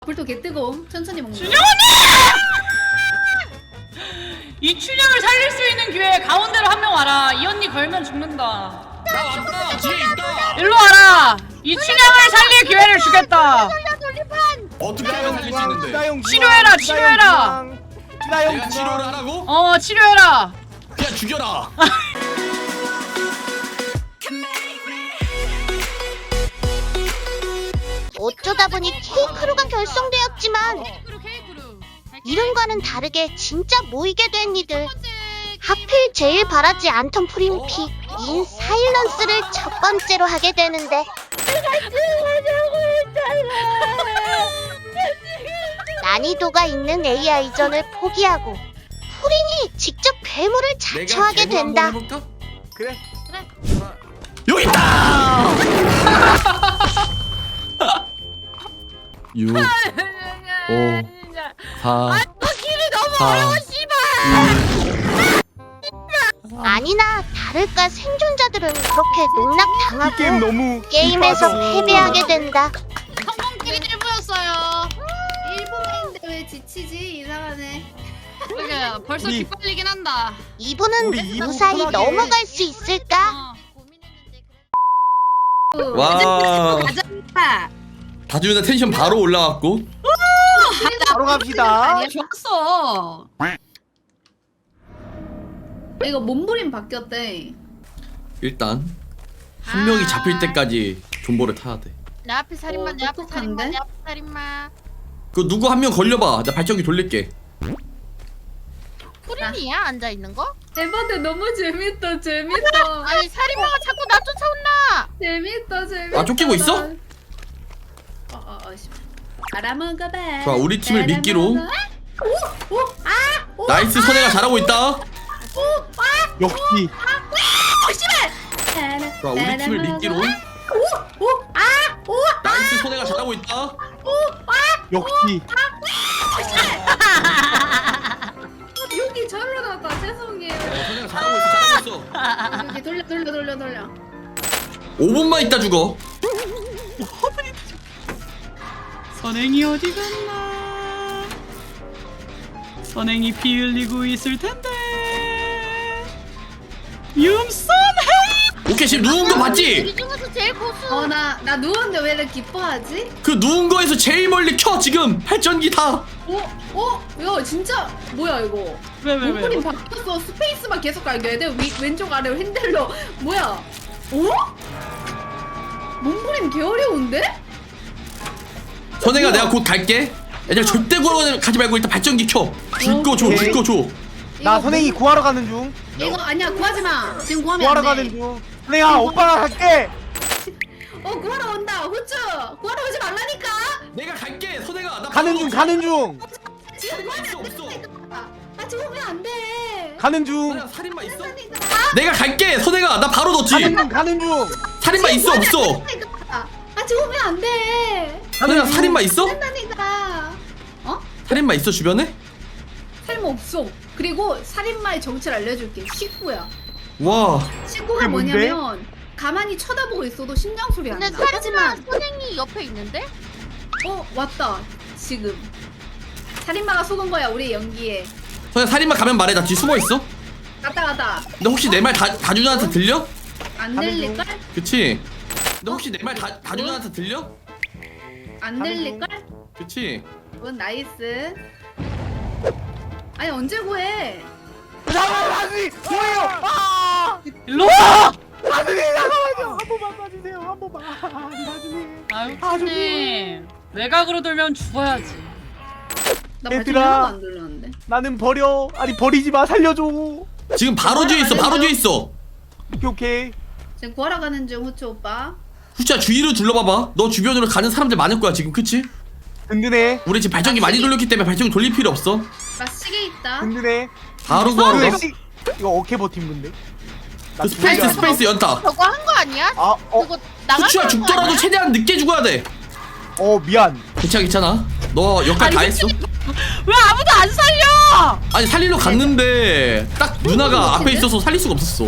불도 개 뜨거움. 천천히 먹는. 춘영 언니! 이 춘영을 살릴 수 있는 기회에 가운데로 한 명 와라. 이 언니 걸면 죽는다. 나 왔다. 뒤에 있다. 일로 와라. 이 춘영을 살릴 기회를 주겠다. 어떻게 하면 살릴 수 있는데? 치료해라, 치료해라. 내가 치료를 하라고? 어, 치료해라. 그냥 죽여라. 어쩌다 보니 K크루가 결성되었지만 이름과는 다르게 진짜 모이게 된 이들. 하필 제일 바라지 않던 프린픽 인 사일런스를 첫 번째로 하게 되는데 난이도가 있는 AI전을 포기하고 프린이 직접 괴물을 자처하게 된다. 그래. 여기 있다. 6 5 4 길이 너무 어려워 씨발. 아니나 다를까 생존자들은 그렇게 농락당하고 게임 너무 게임에서 패배하게 된다. 성공길이 보였어요. 일본인데 왜 지치지? 이상하네. 그게 벌써 우리- 기빨리긴 한다. 이분은 우리 이분 무사히 편하게. 넘어갈 수 있을까? 와. 가자. 다주나 텐션 바로 올라갔고. 바로 갑시다. 아니야, 좋았어. 이거 몸부림 바뀌었대. 일단 한 명이 잡힐 때까지 존버를 타야 돼. 내 앞에 살인마, 내 앞에 살인마, 똑똑한데? 내 앞에 살인마. 그 누구 한 명 걸려봐. 나 발전기 돌릴게. 프린이야 앉아 있는 거? 에바데 너무 재밌다. 재밌다. 아니 살인마가 자꾸 나 쫓아온다. 재밌다. 아, 쫓기고 있어? 알아먹어봐. 좋아, 우리 팀을 미끼로. 오! 나이스, 선혜가 잘하고 있다. 역시 좋아, 우리 팀을 미끼로. 나이스, 선혜가 잘하고 있다. 역시 여기 절로 나왔다. 죄송해요. 선혜가 잘하고 있어, 잘하고 있어. 여기 돌려. 5분만 있다 죽어. 선행이 어디 갔나? 선행이 피 흘리고 있을 텐데. 윤선행! 오케이, 지금 누운 거 봤지? 우리 중에서 제일 고수. 나 누웠는데 왜 이렇게 기뻐하지? 그 누운 거에서 제일 멀리 켜 지금 발전기 다. 야 진짜 뭐야 이거? 왜? 몸부림 바뀌었어. 스페이스만 계속 갈겨야 돼. 왼쪽 아래 핸들로 뭐야? 몸부림 개 어려운데? 선혜가 내가 곧 갈게. 얘들 절대 구하러 가지 말고 일단 발전기 켜. 줄 거 줘, 줄 거 줘. 나 이거 선행이 구하러 가는 중. 이거 아니야 구하지 마. 지금 구하면 구하러 안 가는 돼. 중. 선행아 오빠가 갈게. 구하러 온다. 후추 구하러 오지 말라니까. 내가 갈게. 선혜가 나 가는 중 가는 중 지금 구하면 있어, 안 없어. 된다니까. 지금 오면 안 돼. 가는 중 선혜가 살인마 있어? 내가 갈게. 선혜가 나 바로 넣지. 가는 중. 살인마 있어 없어? 지금 오면 안 돼. 선혜가 살인마 있어? 된다니까. 살인마 있어 주변에? 살모 없어. 그리고 살인마의 정체를 알려줄게. 식구야. 와. 식구가 그게 뭔데? 뭐냐면 가만히 쳐다보고 있어도 심장 소리 안 나. 근데 살인마 하지만 선생이 옆에 있는데? 왔다. 지금 살인마가 속은 거야 우리 연기에. 선혜 살인마 가면 말해. 나 뒤 숨어 있어. 갔다. 근데 혹시 내 말 다주나한테 들려? 안 가는 들릴걸? 그치? 근데 혹시 내 말 다주나한테 들려? 안 가는 들릴걸? 그치? 그건 나이스. 아니 언제 구해? 다시 뭐예요? 일로 와! 다준이 잠깐만요. 한 번만 봐주세요. 한 번만. 다준이. 아유, 님 외곽으로 돌면 죽어야지. 나 얘들아. 발톱 하나도 안 들렸는데. 나는 버려. 아니 버리지 마. 살려줘. 지금 바로 뒤에 있어. 바로 뒤에 있어. 오케이. 지금 구하러 가는 중 후추 오빠. 후추야 주위로 둘러봐봐. 너 주변으로 가는 사람들 많을 거야 지금. 그치? 든든해. 우리 지금 발전기 많이 돌렸기 때문에 발전기 돌릴 필요 없어. 나 시계 있다. 든든해. 바로 구하러 가. 이거 어케 버팀 건데. 그 스페이스 연타. 저거 한 거 아니야? 아, 저거 나가는 후추야 거 죽더라도 아니야? 최대한 늦게 죽어야 돼. 미안. 괜찮아. 너 역할 다 했어. 왜 아무도 안 살려? 아니 살리러 갔는데 딱 누나가 앞에 있어서 살릴 수가 없었어.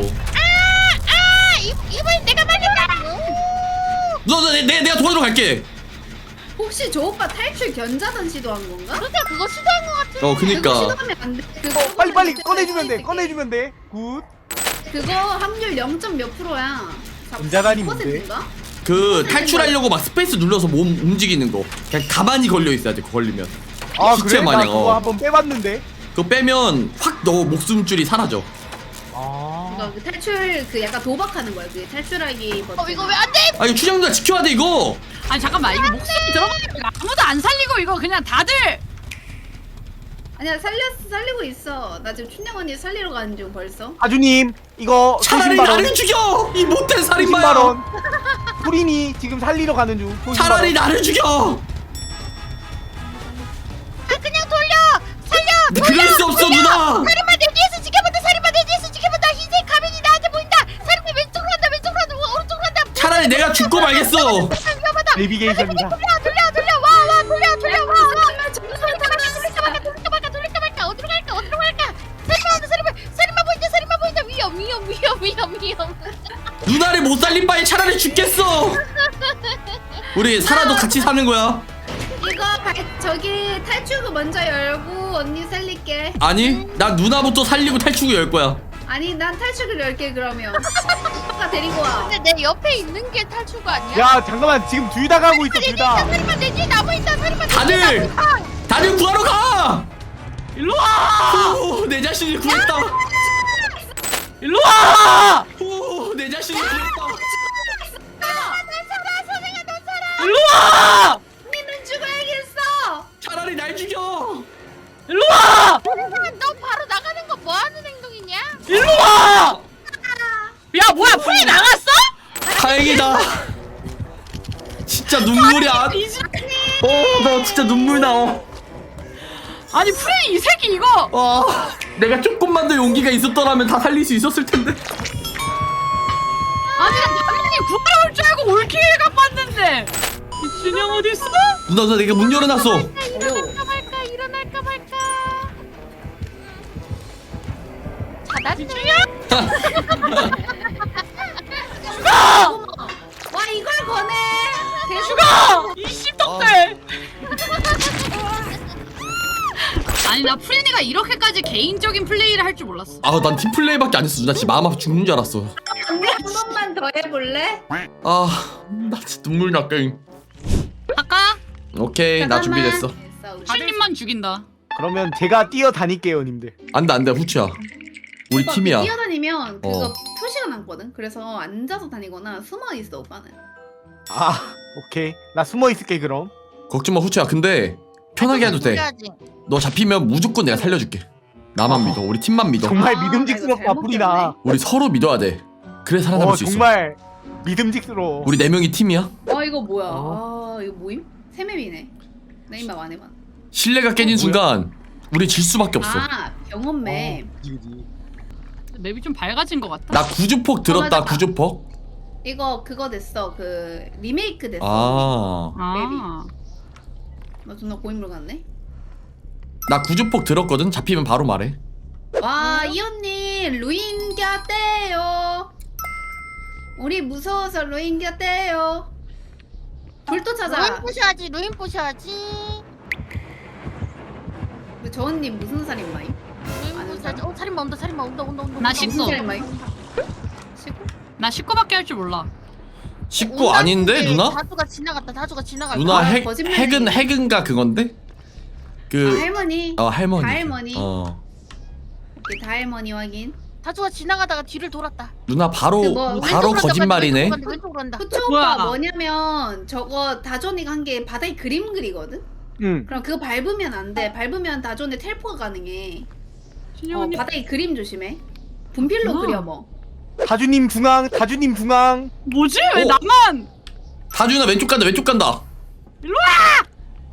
이번엔 내가 말린다. 누나 내가 도와주러 갈게. 혹시 저 오빠 탈출 견자단 시도한 건가? 근데 그거 시도한 거 같아. 그거 그니까 시도하면 안 돼. 그거 빨리 그거 꺼내주면 돼. 있을게. 꺼내주면 돼. 굿. 그거 확률 0. 몇 %야? 견자단이 뭔데? %인가? 그 탈출하려고 막 스페이스 눌러서 몸 움직이는 거 그냥 가만히 걸려 있어야 돼. 그거 걸리면 아 시체 그래? 나 마냥, 그거 한번 빼봤는데. 그거 빼면 확 너 목숨줄이 사라져. 아. 그거 그 탈출 그 약간 도박하는 거야. 그 탈출하기 버튼. 이거 왜 안 돼? 아 이거 추장자 지켜야 돼 이거. 아니 잠깐만 이거 목숨 들어가면 아무도 안 살리고 이거 그냥 다들 아니야 살리고 있어. 나 지금 춘영 언니 살리러 가는 중 벌써. 아주님 이거 차라리 나를 죽여 이 못된 살인마야. 90만원. 프린이 지금 살리러 가는 중. 90만 원. 차라리 나를 죽여. 아 그냥 돌려. 살려. 그럴 수 없어 누나. 살인마 내 뒤에서 지켜본다. 살인마 내 뒤에서 지켜본다. 흰색 가면이 나한테 보인다. 살인마 왼쪽으로 간다. 왼쪽으로 간다. 오른쪽으로 간다. 차라리 내가 죽고 말겠어. 위험하다. 내비게이션이다. 돌려. 와 돌려. 와. 돌릴까 말까. 어디로 갈까. 살인마 보인다. 위험. 누나를 못 살린 바에 차라리 죽겠어. 우리 살아도 같이 사는 거야. 이거 저기 탈출구 먼저 열고 언니 살릴게. 아니 나 누나부터 살리고 탈출구 열 거야. 아니 난 탈출구를 열게 그러면. 오빠 데리고 와. 근데 내 옆에 있는 게 탈출가 아니야? 야 잠깐만 지금 둘 다 가고 있어 둘 다. 살인마 내 뒤에 나무 있다. 살인마 내 뒤에 다들 구하러 가. 일로 와! 오, 내 자신을 구했다. 일로 와! 오, 내 자신을 구했다. 일로 와! 언니는 죽어야겠어. 차라리 날 죽여. 일로 와! 너 바로 나가는 거 뭐 하는 행동이냐? 일로 와! 야 뭐야 풀이 나갔어? 다행이다. 진짜 눈물이 안. 나 진짜 눈물 나와. 아니 풀이 이 새끼 이거 와, 내가 조금만 더 용기가 있었더라면 다 살릴 수 있었을 텐데. 아니 나 당연히 구하러 올 줄 알고 올킬각 봤는데 이춘영 어딨어? 누나 내가 문 열어놨어. 일어날까 말까. 자났네. 와 이걸 거네. 죽어! 이 씹덕들! 아니 나 프린이가 이렇게까지 개인적인 플레이를 할 줄 몰랐어. 아, 난 팀플레이밖에 안 했어. 누나 진짜 마음 아파 죽는 줄 알았어. 언니 한 번만 더 해볼래? 아, 나 진짜 눈물 나 게임. 아까 오케이, 나 잠깐만. 준비됐어. 됐어, 우리. 프린님만 죽인다. 그러면 제가 뛰어다닐게요 님들. 안돼 후추야. 우리 오빠 팀이야. 뛰어다니면 그거 어. 표시가 남거든. 그래서 앉아서 다니거나 숨어 있어 오빠는. 아 오케이 나 숨어 있을게 그럼. 걱정 마 후추야. 근데 편하게 해도 돼. 해야지. 너 잡히면 무조건 내가 살려줄게. 나만 믿어. 우리 팀만 믿어. 정말 아, 믿음직스럽다 이거 프리나. 우리 서로 믿어야 돼. 그래 살아남을 수 있어. 정말 믿음직스러워. 우리 4명이 팀이야. 이거 뭐야? 어? 아 이거 모임? 세 맵이네. 나 임마 안 해봐. 신뢰가 깨진 순간 우리 질 수밖에 없어. 아 병원 맵. 그지. 맵이 좀 밝아진 것 같다. 나 구주폭 들었다. 맞아. 구주폭. 이거 그거 됐어. 그 리메이크 됐어. 아, 아, 나 존나 고인물 같네. 나 구주폭 들었거든. 잡히면 바로 말해. 와, 이 언니 루인 곁대요. 우리 무서워서 루인 곁대요. 불도 루인 찾아. 부셔야지. 근데 저 언니 무슨 살인마임? 루인 아는 부셔야지. 사람? 살인마 온다. 나 무슨 식구. 살인마임? 시고? 나 식구밖에 할 줄 몰라. 식구 아닌데 누나? 다주가 지나갔다. 누나 거짓말이네. 핵은가 그건데? 그 할머니. 할머니. 다 할머니. 오케이, 다 할머니 확인. 다주가 지나가다가 뒤를 돌았다. 누나 바로 그 뭐, 바로 거짓말이네. 왼쪽으로 간다. 후추 뭐야? 오빠 뭐냐면 저거 다존이가 한 게 바닥에 그림 그리거든? 응. 그럼 그거 밟으면 안 돼. 밟으면 다존에 텔포가 가능해. 춘영 언니 바닥에 그림 조심해. 분필로 그려 뭐. 다주님 중앙. 뭐지? 왜 어? 나만? 다준아 왼쪽 간다. 일로 와!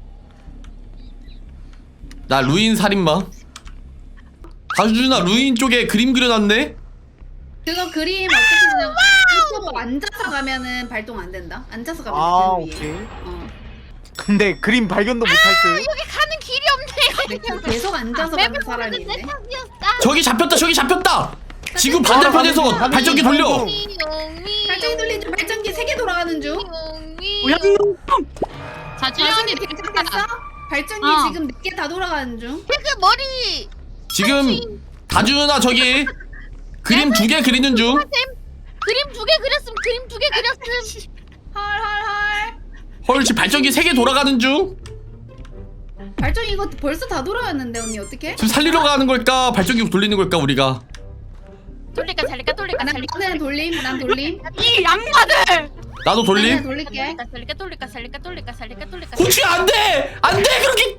나 루인 살인마. 다준아 루인 쪽에 그림 그려놨네. 그거 그림 어떻게 그냥 유튜브 앉아서 가면은 발동 안 된다. 앉아서 가면 아 그 위에. 오케이. 근데 그림 발견도 못할 듯. 여기 가는 길이 없네. 계속 앉아서 가는 사람이 있네. 저기 잡혔다. 지금 반대편에서 가는 발전기 중, 돌려. 가는 중. 발전기 돌린 중 발전기 3개 돌아가는 중. 오양놈! 자 지연이 괜찮겠어? 발전기 어. 지금 4개 다 돌아가는 중. 그 머리 지금 다준아 저기 그림 2개 그리는 중. 그림 2개 그렸음. 그림 2개 그렸음. 헐헐헐. 헐 지금 발전기 3개 돌아가는 중. 발전기 이거 벌써 다 돌아왔는데 언니 어떡해? 지금 살리러 가는 걸까 발전기 돌리는 걸까 우리가. 돌릴까 살릴까 돌릴까 난 살릴까 나는 돌림. 난 돌림. 이 양반들. 나도 나는 돌림. 돌릴게. 살릴까 돌릴까 살릴까 돌릴까 살릴까 돌릴까. 후추 안돼 안돼 그렇게.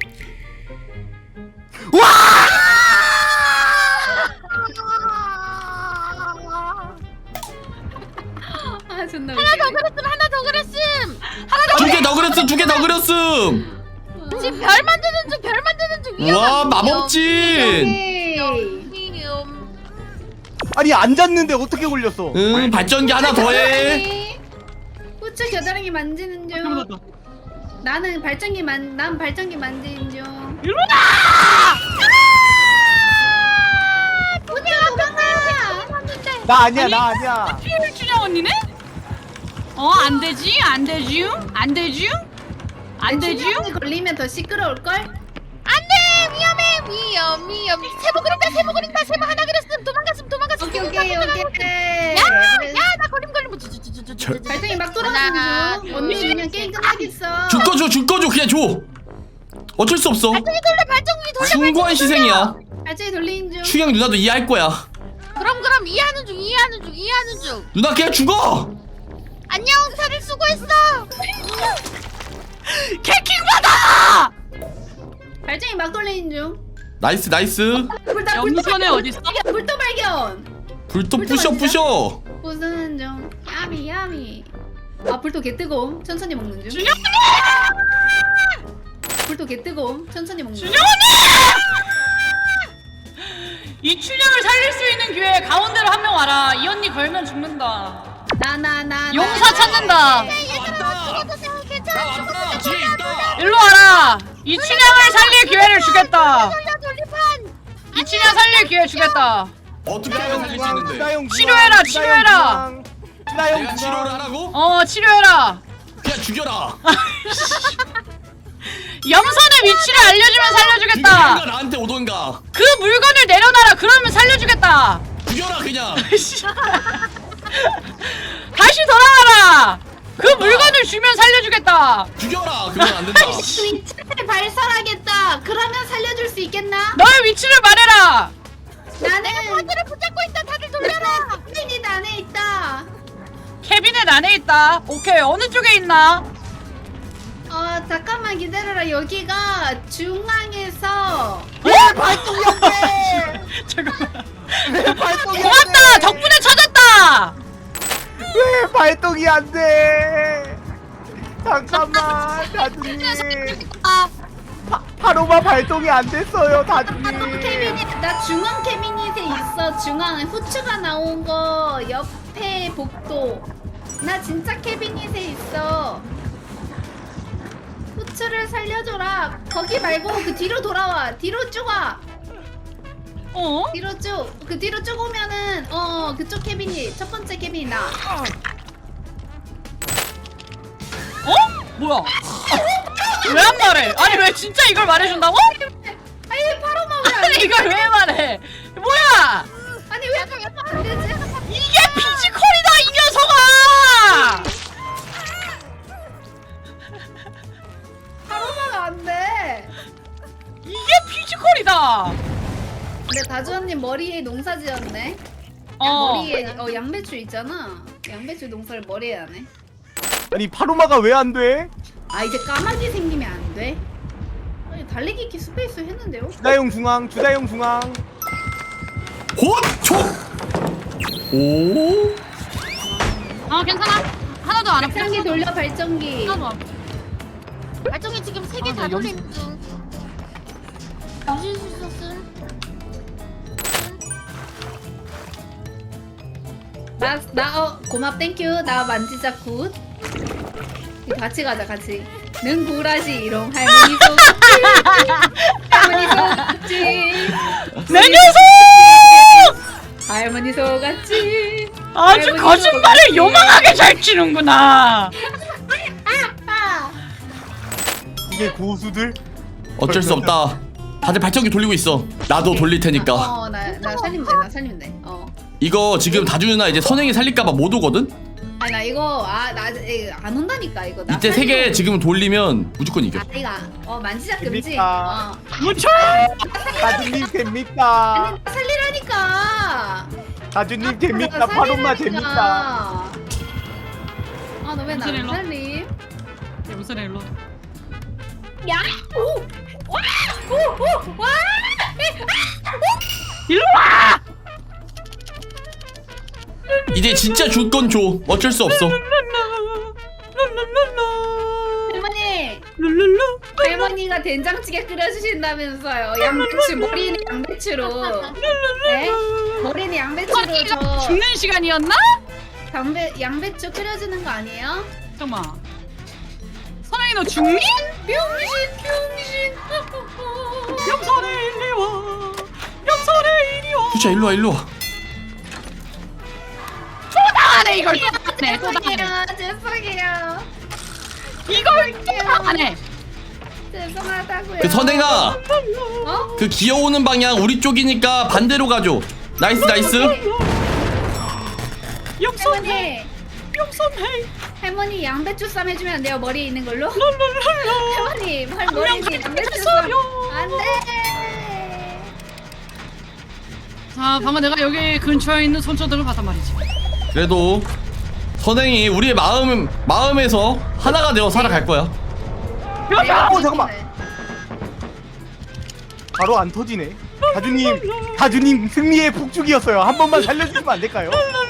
아 존나 하나 더 웃기네. 그렸음. 하나 더 그렸음. 2개 더 그렸음 2개 더 그렸음. 지금 별 만드는 중. 별 만드는 중. 와 마법진. 오케이. 아니 앉았는데 어떻게 걸렸어? 응 발전기 하나 더해. 후추 겨드랑이 만지는 중. 나는 난 발전기 만지는 중. 후추 도망가. 나 아니야 나 아니야. 춘영 언니네? 안 되지 안 되지 안 되지 안 되지. 춘향이 걸리면 더 시끄러울 걸? 안돼 위험. 세모 그린다. 세모 그린다. 세모 하나 그렸음. 도망갔음. 오케이. 야나 걸림. 발전기 막 돌아가는 중. 언니 그냥 게임 끝나겠어. 줄 거 줘 그냥 줘. 어쩔 수 없어. 발전기 돌려. 숭고한 희생이야. 발전기 돌리는 중. 추경 누나도 이해할 거야. 그럼 이해하는 중. 누나 그냥 죽어. 안녕. 다들 수고했어. 캐킹 받아. 발전기 막 돌리는 중. 나이스. 염소네 어딨어? 불도 발견. 불도 부셔. 부수는 중. 야미. 아 불도 개 뜨거움. 천천히 먹는 중. 준영 불도 개 뜨거움. 천천히 먹는 중. 준영 언니! 이 춘영을 살릴 수 있는 기회에 가운데로 한 명 와라. 이 언니 걸면 죽는다. 나. 용사 찾는다. 왔다 뒤에 있다. 일로 와라. 이 춘영을 살릴 기회를 주겠다. 돌리판. 이 춘영 살릴 기회 주겠다. 어떻게 하면 살릴 수 있는데? 치료해라. 내가 치료를 하라고? 치료해라. 그냥 죽여라. 염선의 위치를 알려주면 살려주겠다. 누가 나한테 오던가. 그 물건을 내려놔라. 그러면 살려주겠다. 죽여라 그냥. 다시 돌아와라. 그 물건을 주면 살려주겠다. 죽여라. 그러면 안 된다. 위치를 발설하겠다. 그러면 살려줄 수 있겠나? 너의 위치를 말해라. 나는 바지를 붙잡고 있다. 다들 돌려라. 케빈이 안에 있다. 캐비넷 안에 있다. 오케이. 어느 쪽에 있나? 잠깐만 기다려라. 여기가 중앙에서 왜 발동이 안 돼? 잠깐만. 왜 발동이 안 고맙다. 돼? 덕분에 찾았다. 왜 발동이 안 돼? 잠깐만 다준이. 파로마 발동이 안 됐어요 다준이. 나 중앙 캐비닛에 있어. 중앙에 후추가 나온 거 옆에 복도. 나 진짜 캐비닛에 있어. 후추를 살려줘라. 거기 말고 그 뒤로 돌아와. 뒤로 쭉 와. 뒤로 쭉. 그 뒤로 쭉 오면은 그쪽 캐비닛. 첫 번째 캐비닛 나. 뭐야? 왜 안 말해? 아니 왜 진짜 이걸 말해준다고? 아니 파로마 왜 안 아니 이걸 왜 말해? 뭐야? 아니 왜 안 되지? 이게 피지컬이다 이 녀석아! 파로마가 안 돼. 이게 피지컬이다. 근데 다주 언니 머리에 농사 지었네. 어. 머리에 양배추 있잖아. 양배추 농사를 머리에 하네. 아니 파로마가 왜 안 돼? 아 이제 까마귀 생기면 안 돼? 아니 달리기 키 스페이스 했는데요? 주다용 중앙. 호초. 오. 괜찮아. 하나도 안 아파. 발전기 돌려 발전기. 하나도 안 아파. 발전기 지금 3개 다 돌리는 중. 유질 수 있었음. 고맙 땡큐. 나 만지작 굿. 같이 가자 같이. 는 구라지롱 할머니 속지. 할머니 속지. 내 녀석! 할머니 속았지. 아주 할머니 거짓말을 속았지. 요망하게 잘 치는구나. 이게 고수들? 어쩔 수 없다. 다들 발전기 돌리고 있어. 나도 돌릴 테니까. 나 살리면 돼. 나 살리면 돼. 이거 지금 다주 누나 이제 선행이 살릴까봐 못 오거든? 아니 나 이거 안 온다니까 이거. 나 이때 3개 지금 돌리면 무조건 이겨. 이거 만지작 금지. 됩니까? 무쳐. 다주님 됩니까? 아니 나 살리라니까. 다주님 됩니까? 바로마 됩니까? 아너 왜 나 무슨 안 일로? 살림? 무슨 일로? 야! 오! 와! 오! 와! 일로 와. 이제 진짜 줄 건 줘. 어쩔 수 없어. 할머니! 룰룰루. 할머니가 된장찌개 끓여주신다면서요. 양배추, 머리는 양배추로. 네? 머리는 양배추로 이거 죽는 시간이었나? 양배추 끓여주는 거 아니에요? 잠깐만. 선행이 너 죽니? 병신! 염소네 이리 와. 염소네 이리 와. 후추야 일로 와 일로 와. 또 당하네 이걸 또 당하네. 또 당하네. 죄송해요. 이걸 또 당하네. 죄송하다고요. 그 선행아, 어? 그 기어오는 방향 우리 쪽이니까 반대로 가줘. 나이스 나이스. 염소네. 할머니! 염소네. 할머니 양배추 쌈 해주면 안 돼요? 머리에 있는 걸로? 룰룰룰루. 할머니 머리에 있는 양배추 쌈 안돼. 자, 방금 내가 여기 근처에 있는 손전등을 봤단 말이지. 그래도 선행이 우리의 마음에서 하나가 되어 살아갈 거야. 잠깐만. 바로 안 터지네. 다주님 승리의 북쪽이었어요. 한 번만 살려주시면 안 될까요?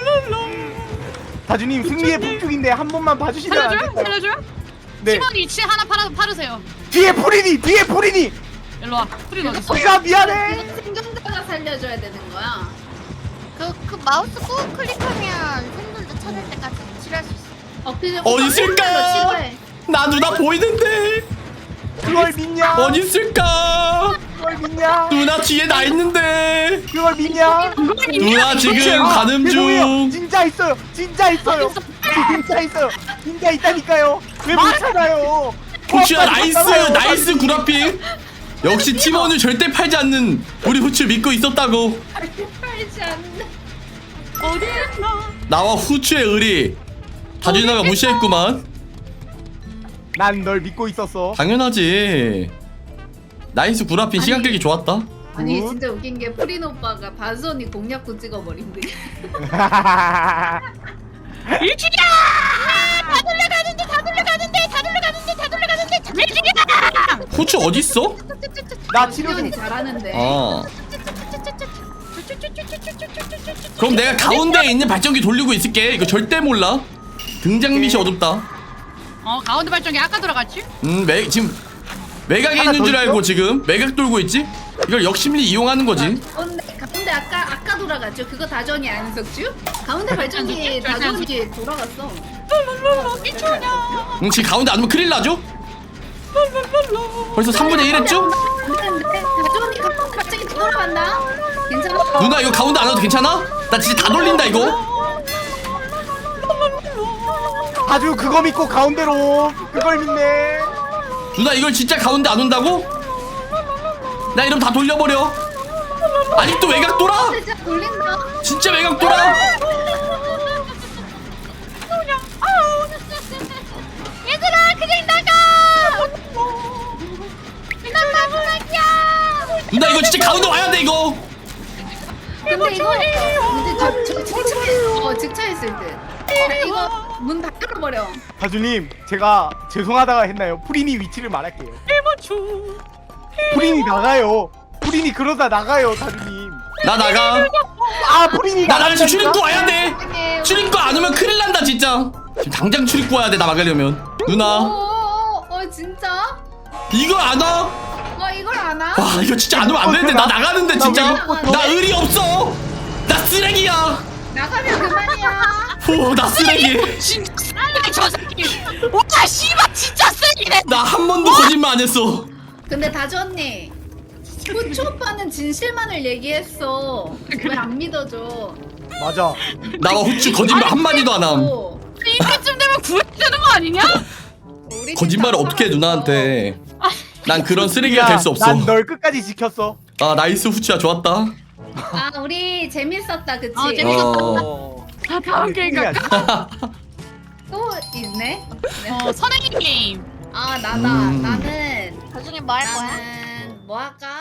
다주님 승리의 북쪽인데 한 번만 봐주시면 안 살려줘요? 될까요? 살려줘요? 네. 팀원 이치 하나 파르세요. 뒤에 프리니. 일로 와. 프린 어딨어? 우리가 미안해. 이거 생존자가 살려줘야 되는 거야. 그 마우스 꾹 클릭하면 생존자 찾을 때까지 치료할 수 있어. 그냥 어디 있을까? 너 치료해. 나 누나 보이는데 그걸 믿냐? 어디 있을까? 그걸 믿냐? 누나 뒤에 나 있는데. 그걸 믿냐? 누나 지금 가는 죄송해요. 중. 진짜 있어요. 진짜 있어요. 진짜 있다니까요. 왜 못 찾아요? 후추야 나이스 구라핑. 역시 팀원을 절대 팔지 않는 우리 후추 믿고 있었다고. 팔지 않는다. 어디 있나? 나와 후추의 의리 다주 누나가 무시했구만. 난 널 믿고 있었어. 당연하지. 나이스 구라핑 시간 끌기 좋았다. 아니 뭐? 진짜 웃긴 게 프린 오빠가 바스 언니 공략구 찍어버린대. 일주기야! 다 돌려가는데 일주기야! 후추 어딨어? 나 치료 좀. 언니 잘하는데. 어. 그럼 내가 가운데에 있는 발전기 돌리고 있을게. 이거 절대 몰라. 등장 밑이 어둡다. 가운데 발전기 아까 들어갔지? 지금 매각에 하나 있는 더 줄 알고 있어? 지금 매각 돌고 있지? 이걸 역심리 이용하는 거지. 가운데 아까 돌아갔죠. 그거 다전이 안석주? 가운데 발전기 다전이 돌아갔어. 지금 가운데 안 오면 큰일 나죠? 벌써 3분의 1 했죠? 다전이 갑자기 돌아간다. 괜찮아? 누나 이거 가운데 안 와도 괜찮아? 나 진짜 다 돌린다 이거. 아주 그거 믿고 가운데로 그걸 믿네. 누나 이걸 진짜 가운데 안 온다고? 나 이러면 다 돌려버려. 아직도 외곽 돌아? 진짜 돌린다. 진짜 외곽 돌아? 얘들아 그냥 나가. 난 마지막이야. 누나 이거 진짜 가운데 와야 돼 이거. 근데 이거 근데 저 직차했을 때 이거 문 다 열어버려. 다주님 제가 죄송하다가 했나요? 프린이 위치를 말할게요. 프린이 나가요. 프린이 그러다 나가요 다주님. 나 나가. 아 프린이 나 지금 나간다니까? 출입구 와야 돼. 출입구 안 오면 큰일 난다 진짜. 지금 당장 출입구 와야 돼 나 막으려면. 누나 진짜? 이거 안 와? 이걸 안 와? 와 이거 진짜 안 오면 안 되는데 나 나가는데 진짜. 나 왜 나 의리 없어. 나 쓰레기야. 나가면 그만이야. 나 쓰레기. 진짜 쓰레기 저 새끼! 와 씨발 진짜 쓰레기네! 나 한 번도 거짓말 안 했어. 근데 다주 언니 후추 오빠는 진실만을 얘기했어. 왜 안 믿어줘? 맞아. 나와 후추 거짓말 한 마디도 안 함. 이때쯤 되면 구해야 되는 거 아니냐? 우리 거짓말을 팀 어떻게 해 누나한테. 아 난 그런 쓰레기가 될 수 없어. 난 널 끝까지 지켰어. 아 나이스 후추야 좋았다. 아 우리 재밌었다 그치? 재밌었다. 어. 다음 게임 갈까? 또 있네? 선행이 게임. 아 나다 음. 나는 나중에 뭐 할 거야? 나는 뭐 할까?